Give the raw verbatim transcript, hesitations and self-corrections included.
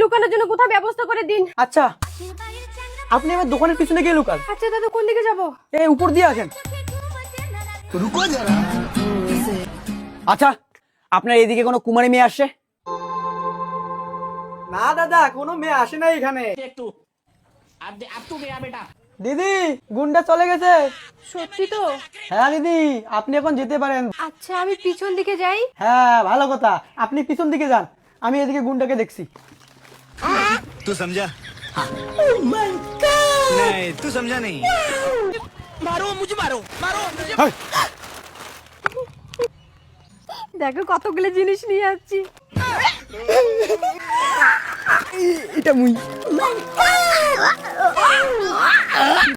লুকানোর জন্য কোথাও ব্যবস্থা করে দিন। আচ্ছা আপনি আমার দোকানের পিছনে গিয়ে লুকান। আচ্ছা দাদা, কোন দিকে যাব? এই উপর দিয়ে আসেন। रुको जरा আচ্ছা আপনার এদিকে কোনো কুমারী মেয়ে আসছে? না দাদা, কোনো মেয়ে আসে না এখানে। দিদি গুন্ডা চলে গেছে। সত্যি তো? হ্যাঁ দিদি, আপনি এখন যেতে পারেন। আচ্ছা আমি পিছন দিকে যাই। হ্যাঁ ভালো কথা, আপনি পিছন দিকে যান, আমি এদিকে গুন্ডাকে দেখছি। तू समझा नहीं तू समझा नहीं দেখো কতগুলো জিনিস নিয়ে যাচ্ছি। এটা মুই